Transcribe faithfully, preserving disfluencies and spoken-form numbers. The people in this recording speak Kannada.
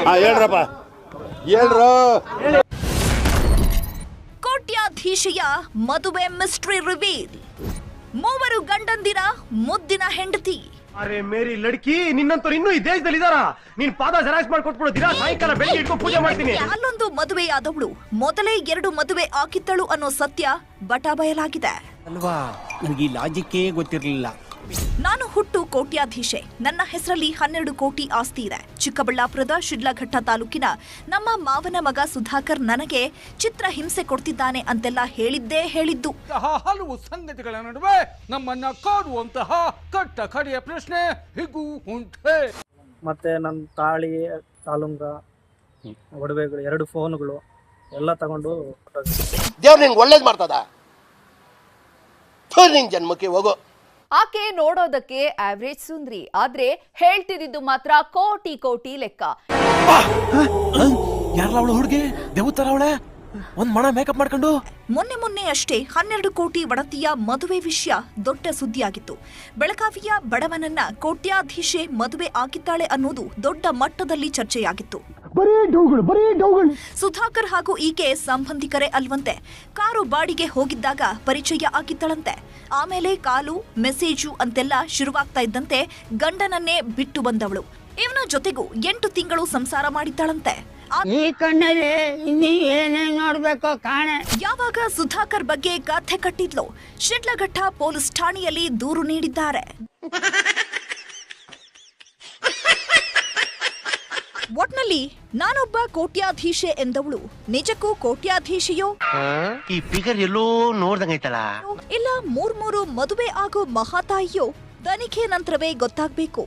ಹೇಳ್ರಪ್ಪ ಹೇಳ್ರು. ಕೋಟ್ಯಾಧೀಶೆಯ ಮದುವೆ ಮಿಸ್ಟ್ರಿ ರಿವೀಲ್. ಮೂವರು ಗಂಡಂದಿರ ಮುದ್ದಿನ ಹೆಂಡತಿ. ಅರೆ ಮೇರಿ ಲಡ್ಕಿ, ನಿನ್ನಂತವ್ರು ಇನ್ನೂ ಈ ದೇಶದಲ್ಲಿ ಇದಾರ? ನೀನ್ ಪಾದ ಜೆರಾಕ್ಸ್ ಮಾಡ್ಕೊಟ್ಬಿಡು, ದಿನ ಸಾಯಂಕಾಲ ಬೆಳಿಗ್ಗೆ ಇಟ್ಕೊಂಡು ಪೂಜೆ ಮಾಡ್ತೀನಿ. ಅಲ್ಲೊಂದು ಮದುವೆಯಾದವಳು ಮೊದಲೇ ಎರಡು ಮದುವೆ ಆಗಿದ್ದಳು ಅನ್ನೋ ಸತ್ಯ ಬಟ ಬಯಲಾಗಿದೆ ಅಲ್ವಾ? ನನಗೆ ಈ ಲಾಜಿಕ್ಕೇ ಗೊತ್ತಿರಲಿಲ್ಲ. ನಾನು ಹುಟ್ಟು ಕೋಟ್ಯಾಧೀಶೆ. ನನ್ನ ಹೆಸರಲ್ಲಿ ಹನ್ನೆರಡು ಕೋಟಿ ಆಸ್ತಿ ಇದೆ. ಚಿಕ್ಕಬಳ್ಳಾಪುರದ ಶಿಡ್ಲಘಟ್ಟ ತಾಲೂಕಿನ ನಮ್ಮ ಮಾವನ ಮಗ ಸುಧಾಕರ್ ನನಗೆ ಚಿತ್ರ ಹಿಂಸೆ ಕೊಡ್ತಿದ್ದಾನೆ ಅಂತೆಲ್ಲ ಹೇಳಿದ್ದೇ ಹೇಳಿದ್ದು. ಹಲವು ಸಂಗತಿಗಳ ನಡುವೆ ನಮ್ಮನ್ನ ಕಾಡುವಂತಹ ಕಟ್ಟ ಕಡೆಯ ಪ್ರಶ್ನೆ ಹೀಗೂ ಉಂಟೆ. ಮತ್ತೆ ನನ್ನ ತಾಳಿ, ತಾಲುಂಗ, ಒಡವೆಗಳು, ಎರಡು ಫೋನ್ಗಳು ಎಲ್ಲ ತಗೊಂಡು ದೇವ್ರು ನಿನ್ಗೆ ಒಳ್ಳೇದು ಮಾಡ್ತದ. ನಿನ್ ಜನ್ಮಕ್ಕೆ ಹೋಗೋ. ಆಕೆ ನೋಡೋದಕ್ಕೆ ಆವರೇಜ್ ಸುಂದ್ರಿ, ಆದ್ರೆ ಹೇಳ್ತಿದ್ದು ಮಾತ್ರ ಕೋಟಿ ಕೋಟಿ ಲೆಕ್ಕ. ಯಾರಲ್ಲ ಅವಳು ಹುಡುಗಿ? ದೇವತರ ಅವಳೆ, ಒಂದ್ ಮಣ ಮೇಕಪ್ ಮಾಡ್ಕೊಂಡು. ಮೊನ್ನೆ ಮೊನ್ನೆ ಅಷ್ಟೇ ಹನ್ನೆರಡು ಕೋಟಿ ಒಡತಿಯ ಮದುವೆ ವಿಷಯ ದೊಡ್ಡ ಸುದ್ದಿಯಾಗಿತ್ತು. ಬೆಳಗಾವಿಯ ಬಡವನನ್ನ ಕೋಟ್ಯಾಧೀಶೆ ಮದುವೆ ಆಗಿದ್ದಾಳೆ ಅನ್ನೋದು ದೊಡ್ಡ ಮಟ್ಟದಲ್ಲಿ ಚರ್ಚೆಯಾಗಿತ್ತು. ಸುಧಾಕರ್ ಹಾಗೂ ಈಕೆ ಸಂಬಂಧಿಕರೇ ಅಲ್ವಂತೆ. ಕಾರು ಬಾಡಿಗೆ ಹೋಗಿದ್ದಾಗ ಪರಿಚಯ ಆಗಿದ್ದಳಂತೆ. ಆಮೇಲೆ ಕಾಲು, ಮೆಸೇಜು ಅಂತೆಲ್ಲ ಶುರುವಾಗ್ತಾ ಇದ್ದಂತೆ ಗಂಡನನ್ನೇ ಬಿಟ್ಟು ಬಂದವಳು. ಇವನ ಜೊತೆಗೂ ಎಂಟು ತಿಂಗಳು ಸಂಸಾರ ಮಾಡಿದ್ದಾಳಂತೆ. ಈ ಕಣ್ಣಲ್ಲಿ ಇನ್ನೀ ಏನೇನ್ ನೋಡ್ಬೇಕು ಕಾಣೆ. ಯಾವಾಗ ಸುಧಾಕರ್ ಬಗ್ಗೆ ಕಥೆ ಕಟ್ಟಿದ್ಲು, ಶಿಡ್ಲಘಟ್ಟ ಪೊಲೀಸ್ ಠಾಣೆಯಲ್ಲಿ ದೂರು ನೀಡಿದ್ದಾರೆ. ಒಟ್ನಲ್ಲಿ ನಾನೊಬ್ಬ ಕೋಟ್ಯಾಧೀಶೆ ಎಂದವಳು ನಿಜಕ್ಕೂ ಕೋಟ್ಯಾಧೀಶೆಯೋ, ಈ ಫಿಗರ್ ಎಲ್ಲೋ ನೋಡ್ದಂಗೈತಲ್ಲ, ಇಲ್ಲ ಮೂರ್ ಮೂರು ಮದುವೆ ಆಗೋ ಮಹಾತಾಯಿಯೋ? ತನಿಖೆ ನಂತರವೇ ಗೊತ್ತಾಗ್ಬೇಕು.